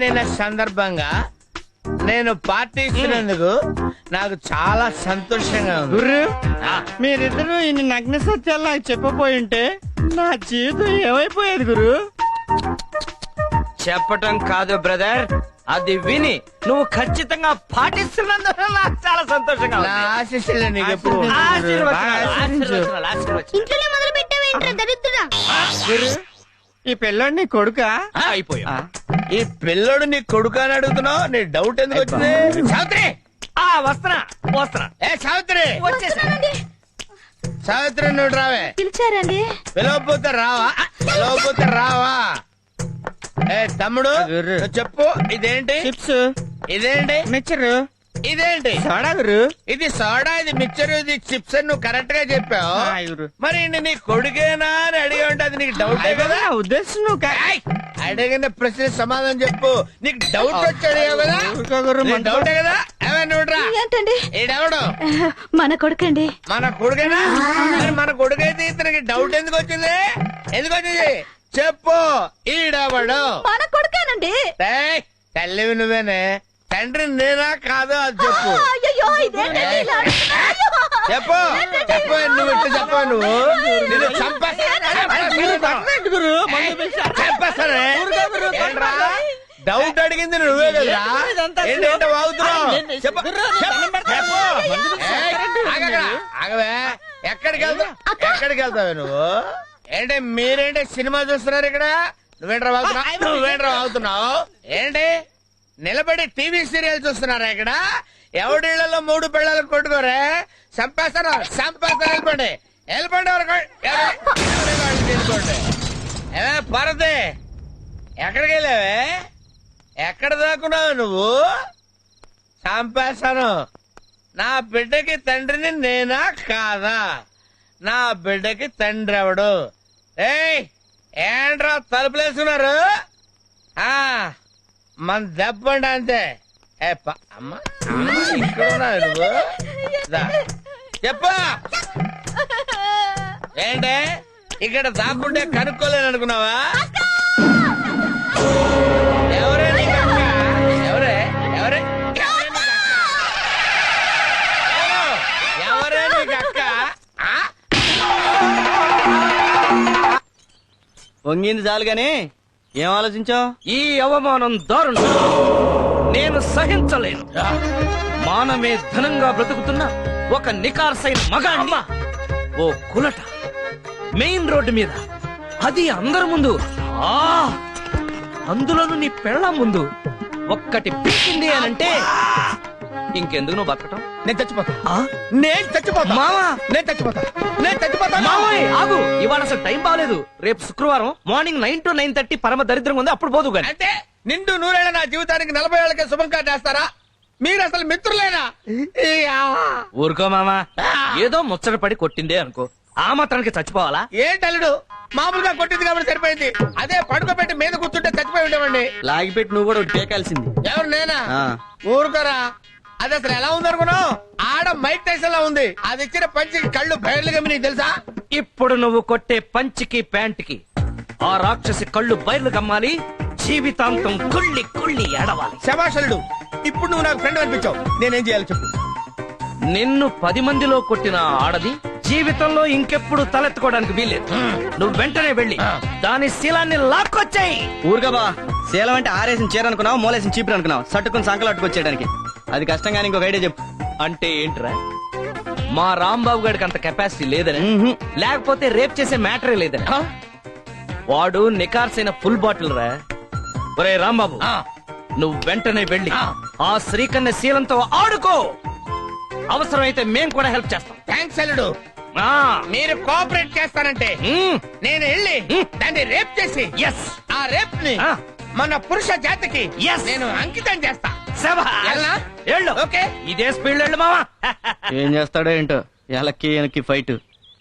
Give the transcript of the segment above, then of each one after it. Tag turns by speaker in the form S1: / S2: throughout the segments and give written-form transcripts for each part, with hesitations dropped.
S1: పెళ్ళైన సందర్భంగా నేను పార్టీ ఇచ్చినందుకు నాకు చాలా సంతోషంగా ఉంది.
S2: గుర్రు మీరిద్దరూ ఇన్ని నగ్న సత్యాలు నాకు చెప్పబోయి ఉంటే నా జీవితం ఏమైపోయేది గురు.
S3: చెప్పటం కాదు బ్రదర్, అది విని నువ్వు ఖచ్చితంగా పాటిస్తున్నందుకు నాకు చాలా సంతోషంగా
S1: నా
S3: ఉంది.
S1: ఆశీస్సులు నీకు ఎప్పుడు
S4: ఇంట్లోనే మొదలు పెట్టావేంట్రా దరిద్రుడా?
S2: గురు ఈ పిల్లోడు నీ కొడుకా?
S3: అయిపోయా.
S1: ఈ పిల్లోడు నీ కొడుకు అని అడుగుతున్నావు, నీ డౌట్ ఎందుకు వచ్చింది? సావిత్రి,
S3: వస్తున్నా
S1: ఏ సావిత్రి,
S4: వస్తున్నానండి.
S1: సావిత్రి నువ్వు రావే.
S4: పిలిచారండి?
S1: పిలవకపోతే రావా? పిలవకపోతే రావా? ఏ తమ్ముడు
S2: గుర్రు.
S1: నువ్వు చెప్పు, ఇదేంటి?
S2: చిప్స్,
S1: ఇదేంటి?
S2: మిక్చరు,
S1: ఇదేంటి?
S2: సోడా గురు.
S1: ఇది సోడా, ఇది మిక్చర్, ఇది చిప్స్ అని నువ్వు కరెక్ట్ గా చెప్పావు.
S2: గురు
S1: మరి ఈయన నీ కొడుకేనా అని అడిగి ఉంటే అది నీకు డౌటే కదా?
S2: నా ఉద్దేశం నువ్వు
S1: ఏయ్! అడిగిన ప్రశ్న సమాధానం చెప్పు. నీకు డౌట్ వచ్చి అడిగావు కదా?
S2: గురు
S1: నీకు డౌటే కదా? నువ్వురా,
S4: ఏంటండి?
S1: ఈడెవడు?
S4: మన కొడుకండి.
S1: మన కొడుకేనా? మరి మన కొడుకైతే ఇతనికి డౌట్ ఎందుకు వచ్చింది? ఎందుకు వచ్చింది చెప్పు. ఈడెవడు?
S4: మన కొడుకేనండి.
S1: ఏయ్! తల్లివి నువ్వేనే, తండ్రి నేనా కాదు అది చెప్పు.
S4: అయ్యో ఇదేంటండి ఇలా అంటున్నారు?
S1: చెప్పు చెప్పు, నువ్వు ఇట్లా చెప్పు. నువ్వు నిన్ను చంపేస్తానే. ఏంట్రా? డౌట్ అడిగింది నువ్వే కదరా? ఏంటంటే వాగుతున్నావు? చెప్పు చెప్పు. ఏయ్, ఆగక్కడ, ఆగవే. ఎక్కడికి వెళ్తావు? ఎక్కడికి వెళ్తావే నువ్వు? ఏంటి మీరేంటి సినిమా చూస్తున్నారు ఇక్కడ? నువ్వేంట్రా వాగుతున్నావు? నువ్వేంట్రా వాగుతున్నావు? ఏంటి నిలబడి టీవీ సీరియల్ చూస్తున్నారా ఇక్కడ? ఎవడిళ్లలో 3 పిల్లలు కొట్టుకోరే. చంపేస్తాను చంపేస్తాను. వెళ్ళిపోండి వెళ్ళిపోండి. తీసుకోండి. ఏమే పరదే, ఎక్కడికి వెళ్ళావే? ఎక్కడ దాక్కున్నావు నువ్వు? చంపేస్తాను. నా బిడ్డకి తండ్రిని నేనా కాదా? నా బిడ్డకి తండ్రి ఎవడు? ఏయ్ ఏంట్రా తలుపులేసుకున్నారు? మన దెబ్బండి అంతే. అమ్మ ఇక్కడ ఉన్నావు నువ్వు? దా, చెప్పు. ఏంటే ఇక్కడ దాక్కుంటే కనుక్కోలేను అనుకున్నావా? ఎవరే నీకు అక్క? ఎవరే ఎవరే ఎవరే నీకు అక్క?
S2: వంగింది చాలు గాని ఏం ఆలోచించావు?
S3: ఈ అవమానం దారుణం, నేను సహించలేను. మానమే ధనంగా బ్రతుకుతున్న ఒక నికార్సైన మగాణ్ణి ఓ కులట మెయిన్ రోడ్డు మీద, అది అందరి ముందు, అందులోను నీ పెళ్ళం ముందు ఒక్కటి పీకింది అనంటే ఇంకెందుకు నువ్వు బతకటం?
S1: నేను చచ్చిపోతా. నేను చచ్చిపోతా
S3: మావా,
S1: నేను చచ్చిపోతా. నేను చచ్చిపోతా.
S3: మావయ్య ఆగు, ఇవాళ అసలు టైం బాగలేదు. రేపు శుక్రవారం మార్నింగ్ 9 to 9:30 పరమ దరిద్రంగా ఉంది, అప్పుడు పోదు గాని.
S1: అంటే నిండు 100 ఏళ్ల నా జీవితానికి 40 ఏళ్ళకే శుభం కాటేస్తారా? మీరు అసలు మిత్రులేనా?
S3: ఊరుకో మామా, ఏదో ముచ్చట పడి కొట్టిందే అనుకో, ఆ మాత్రానికి చచ్చిపోవాలా?
S1: ఏంటల్లుడు, మామూలుగా కొట్టింది కాబట్టి సరిపోయింది. అదే పడుకోబెట్టి మీద కూర్చుంటే చచ్చిపోయి ఉండేవండి.
S2: లాగిపెట్టి నువ్వు కూడా టేకాల్సింది.
S1: ఎవరు నేనా? ఊరుకోరా. అది అసలు ఎలా ఉంది అనుకున్నావు? ఆడ మైక్ టైసన్ లా ఉంది. అది ఇచ్చిన పంచికి కళ్ళు బయర్లు గమ్మి, నీకు తెలుసా?
S3: ఇప్పుడు నువ్వు కొట్టే పంచికి ప్యాంట్కి ఆ రాక్షసి కళ్ళు బయలు గమ్మాలి, జీవితాంతం కుళ్ళి కుళ్ళి ఏడవాలి.
S1: శభాషలుడు, ఇప్పుడు నువ్వు నాకు ఫ్రెండ్ అనిపించావు. నేనేం చేయాలి చెప్పు?
S3: నిన్ను 10 మందిలో కొట్టిన ఆడది జీవితంలో ఇంకెప్పుడు తలెత్తుకోవడానికి వీల్లేదు. నువ్వు వెంటనే వెళ్ళి దాని శీలాన్ని లాక్కొచ్చాయి.
S2: ఊరుగా బా, శీలం అంటే ఆరేసిన చీర అనుకున్నావు, మూలేసిన చీపురు అనుకున్నావు, సట్టుకుని సంకలు అట్టుకొచ్చేయడానికి. అది కష్టంగా ఇంకొక ఐడియా చెప్పు.
S3: అంటే ఏంట్రా, మా రాంబాబు గారికి అంత కెపాసిటీ లేదని, లేకపోతే రేప్ చేసే మ్యాటరే లేదని? వాడు నికార్సైన ఫుల్ బాటిల్ రా. ఒరే రాంబాబు, నువ్వు వెంటనే వెళ్ళి ఆ శ్రీకన్య శీలంతో ఆడుకో. అవసరమైతే మేం కూడా హెల్ప్ చేస్తాం.
S1: థ్యాంక్స్ అల్లుడు. మీరు కోఆపరేట్ చేస్తానంటే నేను వెళ్ళి దాన్ని రేప్ చేసి ఆ రేప్ ని మన పురుష జాతికి నేను అంకితం చేస్తా.
S3: ఓకే, ఇదే స్పీడ్ వెళ్ళు మావా.
S2: ఏం చేస్తాడో ఏంటో, ఎలక్కి వెనక్కి ఫైట్.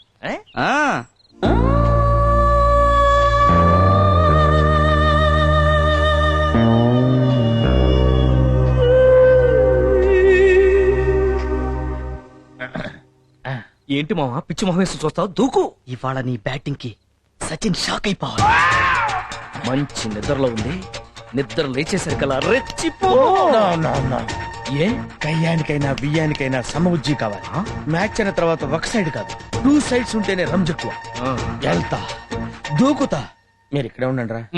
S3: ఏంటి మావా పిచ్చి మొహం వేసి చూస్తావు? దూకు.
S2: ఇవాళ నీ బ్యాటింగ్ కి సచిన్ షాక్ అయిపోవాలి.
S3: మంచి నిద్రలో ఉంది, నిద్ర లేచేసరికల్లా రెచ్చిపో. ఏ
S1: కయ్యానికైనా బియ్యానికైనా సమబుజ్జి కావాలి. మ్యాచ్ అయిన తర్వాత ఒక సైడ్ కాదు 2 సైడ్స్ ఉంటేనే రంజక్కువ. వెళ్తా దూకుతా, మీరు ఇక్కడే ఉండండి రా.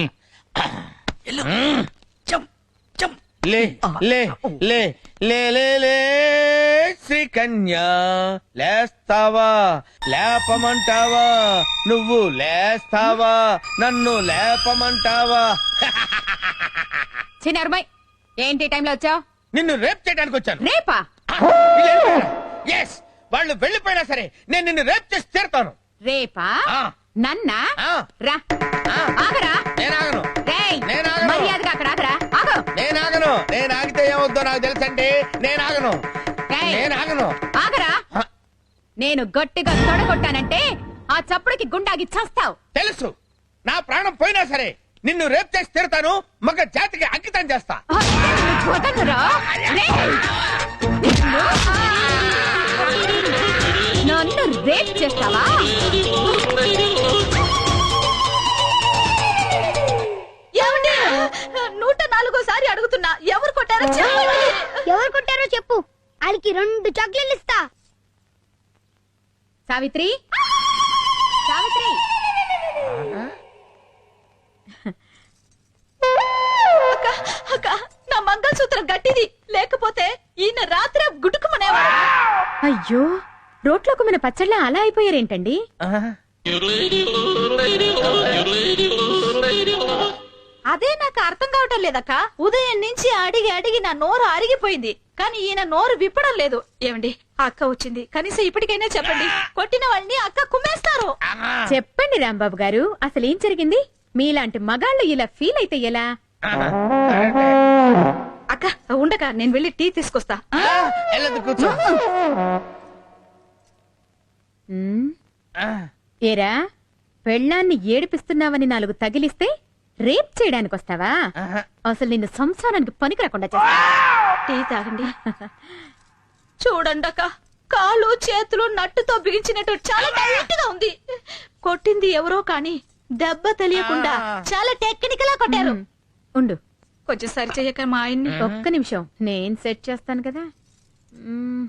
S1: లే లే లే లే లే లే శ్రీకన్యా, లేస్తావా లేపమంటావా, నువ్వు లేస్తావా నన్ను లేపమంటావా.
S5: చిన్నరుమై ఏంటి టైంలో వచ్చావు?
S1: నిన్ను రేప్ చేయడానికి వచ్చాను.
S5: రేపా?
S1: ఎస్, వాళ్ళు వెళ్ళిపోయినా సరే నేను నిన్ను రేప్ చేసి తీరుతాను.
S5: రేపా? నన్నా?
S1: ఆ.
S5: రా. ఆగరా.
S1: నేనాగను.
S5: రేయ్,
S1: నేనాగను.
S5: మర్యాదగా అక్కడ ఆగరా. ఆగు.
S1: నేనాగను. నేను ఆగితే ఏమవుద్దో నాకు తెలుసండి. నేనాగను.
S5: రేయ్,
S1: నేనాగను.
S5: ఆగరా.
S1: ఆ.
S5: నేను గట్టిగా తొడగొట్టానంటే ఆ చప్పుడుకి గుండాగి చస్తావు.
S1: తెలుసు, నా ప్రాణం పోయినా సరే నిన్ను రేప్ చేసి తీరుతాను. మగ జాతికి అంకితం చేస్తా.
S5: వదలరా. రేయ్, నిన్ను. నన్ను రేప్ చేస్తావా?
S4: ఏమండి 104సారి అడుగుతున్నా, ఎవరు కొట్టారో చెప్పండి.
S6: ఎవరు కొట్టారో చెప్పు, వాళ్ళకి 2 చాక్లెట్లు ఇస్తా.
S5: సావిత్రి, సావిత్రి.
S4: అక్క, అక్క, నా మంగళసూత్రం గట్టిది, లేకపోతే ఈయన రాత్రి గుడుకుమనేవాడు.
S5: అయ్యో, రోట్లో కుమ్మిన పచ్చళ్ళ అలా అయిపోయారేంటండి?
S4: అదే నాకు అర్థం కావటం లేదక్క. ఉదయం నుంచి అడిగి అడిగి నా నోరు అరిగిపోయింది, కానీ ఈయన నోరు విప్పడం లేదు. ఏమండి, ఆ అక్క వచ్చింది, కనీసం ఇప్పటికైనా చెప్పండి. కొట్టిన వాళ్ళని అక్క కుమ్మేస్తారు.
S5: చెప్పండి రాంబాబు గారు, అసలు ఏం జరిగింది? మీలాంటి మగాళ్ళు ఇలా ఫీల్ అయితే ఎలా?
S4: అక్క ఉండక, నేను వెళ్ళి టీ తీసుకొస్తా.
S1: వెళ్ళదు, కూర్చో.
S5: ఉమ్, ఏరా, పెళ్ళాన్ని ఏడిపిస్తున్నావని 4 తగిలిస్తే రేప్ చేయడానికి వస్తావా? అసలు నిన్ను సంసారానికి పనికి రాకుండా చేస్తా.
S4: టీ తాగండి. చూడండి అక్క, కాళ్ళు చేతులు నట్టుతో బిగించినట్టు చాలా టైట్ గా ఉంది. కొట్టింది ఎవరో కానీ దెబ్బ తెలియకుండా చాలా టెక్నికల్ గా కొట్టారు.
S5: ఉండు,
S4: కొంచెం సరి చెయ్యక మా ఆయన్ని.
S5: ఒక్క నిమిషం, నేను సెట్ చేస్తాను కదా. ఉమ్.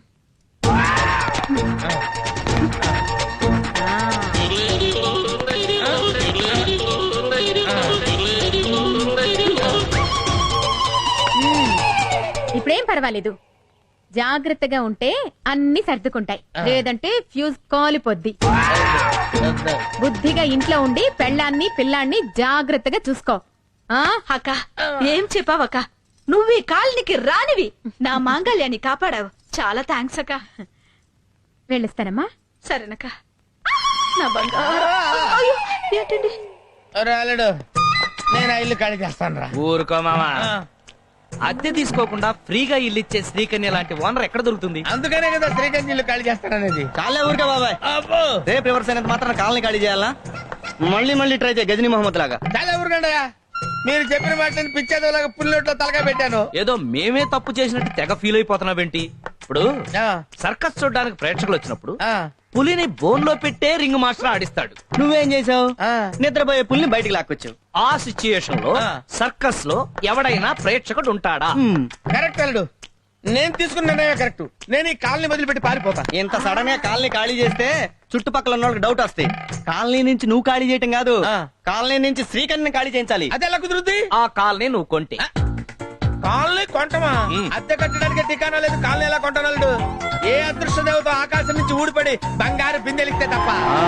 S5: ఇప్పుడేం పర్వాలేదు, జాగ్రత్తగా ఉంటే అన్ని సర్దుకుంటాయి, లేదంటే ఫ్యూజ్ కాలిపోద్ది. బుద్ధిగా ఇంట్లో ఉండి పెళ్ళాన్ని పిల్లాన్ని జాగ్రత్తగా చూసుకో. ఆ
S4: అక్క, ఏం చెప్పావక్క? నువ్వు ఈ కాలనికి రానివి నా మాంగళ్యాన్ని కాపాడావు. చాలా థ్యాంక్స్ అక్క.
S5: వెళ్ళిస్తానమ్మా.
S4: సరేనక్క. నా బంగారు. అయ్యో, ఏంటండి?
S1: రాలేడు, నేను ఆ ఇల్లు ఖాళీ చేస్తాను రా.
S3: ఊరుకో మామా, అద్దె తీసుకోకుండా ఫ్రీగా ఇల్లు ఇచ్చే శ్రీకన్య లాంటి ఓనర్ ఎక్కడ దొరుకుతుంది?
S1: అందుకనే కదా శ్రీకాంత్ ఇల్లు ఖాళీ చేస్తాననేది.
S2: చాలే ఊరికే బాబాయ్,
S1: అబ్బో,
S2: రేపు రివర్స్ అయినంత మాత్రం కాలనీ ఖాళీ చేయాలా? మళ్ళీ మళ్ళీ ట్రై చేయ గజనీ మహమ్మద్ లాగా.
S1: చాలా ఊరుకండయా, మీరు చెప్పిన మాటని పిచ్చేదోలాగా పుల్లొట్లో తలగా పెట్టాను.
S3: ఏదో మేమే తప్పు చేసినట్టు తెగ ఫీల్ అయిపోతున్నావేంటి? ఇప్పుడు
S1: ఆ,
S3: సర్కస్ చూడడానికి ప్రేక్షకులు వచ్చినప్పుడు
S1: ఆ,
S3: పులిని బోన్ లో పెట్టే రింగ్ మాస్టర్ ఆడిస్తాడు.
S2: నువ్వేం చేసావు?
S1: ఆ.
S2: నిద్రపోయే పుల్ని బయటికి లాక్కొచ్చావు.
S3: ఆ సిచ్యుయేషన్ లో
S1: ఆ.
S3: సర్కస్ లో ఎవడైనా ప్రేక్షకుడు ఉంటాడా?
S1: కరెక్ట్ అల్లుడు, నేను తీసుకున్న నిర్ణయం కరెక్ట్. నేను ఈ కాలనీ వదిలిపెట్టి పారిపోతా.
S2: ఇంత సడన్ గా కాలనీ ఖాళీ చేస్తే చుట్టుపక్కల ఉన్న వాళ్ళకి డౌట్ వస్తాయి. కాలనీ నుంచి నువ్వు ఖాళీ చేయటం కాదు,
S1: ఆ.
S2: కాలనీ నుంచి శ్రీకన్యని ఖాళీ చేయించాలి.
S1: అది ఎలా కుదురుద్ది?
S3: ఆ కాలనీ నువ్వు కొంటే
S1: కాలనీ కొంటమా? అద్దె కట్టడానికి ఠికానా లేదు. కాలనీ ఎలా కొంటానల్లుడు? ఏ అదృష్ట దేవత ఆకాశం నుంచి ఊడిపడి బంగారు బిందెలిస్తే తప్ప.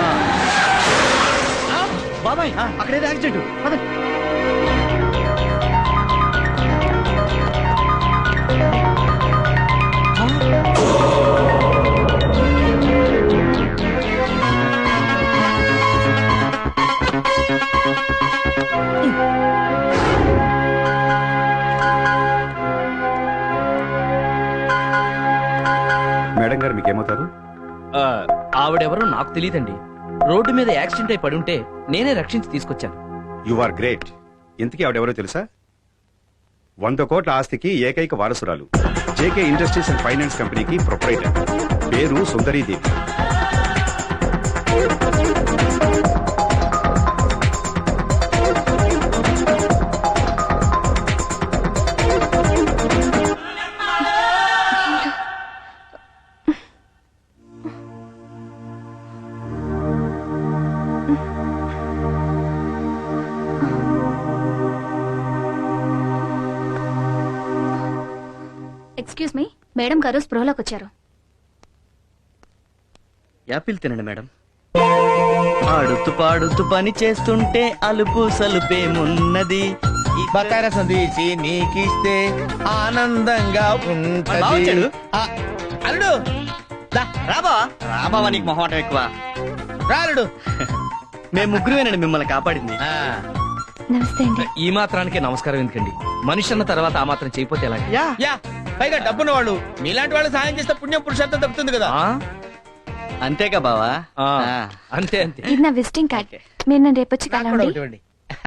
S2: బాబాయ్, అక్కడేదో యాక్సిడెంట్. పదండి.
S7: మేడం గారు మీకేమవుతారు?
S3: ఆవిడెవరో నాకు తెలియదండి. రోడ్డు మీద యాక్సిడెంట్ అయి పడుంటే నేనే రక్షించి తీసుకొచ్చాను.
S7: You are great. ఇంతకీ ఆవిడెవరో తెలుసా? 100 కోట్ల ఆస్తికి ఏకైక వారసురాలు. జేకే ఇండస్ట్రీస్ అండ్ ఫైనాన్స్ కంపెనీకి ప్రొపరైటర్. పేరు సుందరీదేవి.
S6: ఎక్స్క్యూజ్ మీ మేడం గారు స్పృహలోకి వచ్చారు.
S2: యాపిల్ తినండి మేడం. ఆడుతూ పాడుతూ పని చేస్తుంటే అలుపు సలుపేమున్నది.
S1: బకాయ రసం తీసి నీకిస్తే ఆనందంగా
S2: మరి బావ వచ్చాడు.
S1: ఉంటది. ఆ, అల్లుడు
S2: రాబా రాబావా, నీకు మొహమాటం ఎక్కువ.
S1: రాలుడు.
S2: మేము ముగ్గురువేనండి మిమ్మల్ని కాపాడింది.
S6: నమస్తే అండి.
S3: ఈ మాత్రానికే నమస్కారం ఎందుకండి? మనిషి అన్న తర్వాత ఆ మాత్రం చేయపోతే ఎలా?
S1: యా పైగా డబ్బున్న వాళ్ళు మీలాంటి వాళ్ళు సాయం చేస్తే పుణ్యం పురుషార్థం దక్కుతుంది కదా.
S3: ఆ?
S2: అంతేగా బావా?
S3: ఆ,
S2: ఆ.
S3: అంతే అంతే.
S6: ఇది నా విజిటింగ్ కార్డ్. మీరు నన్ను రేపొచ్చి
S1: నాకు కూడా
S6: కలవండి.
S1: ఒకటి ఇవ్వండి.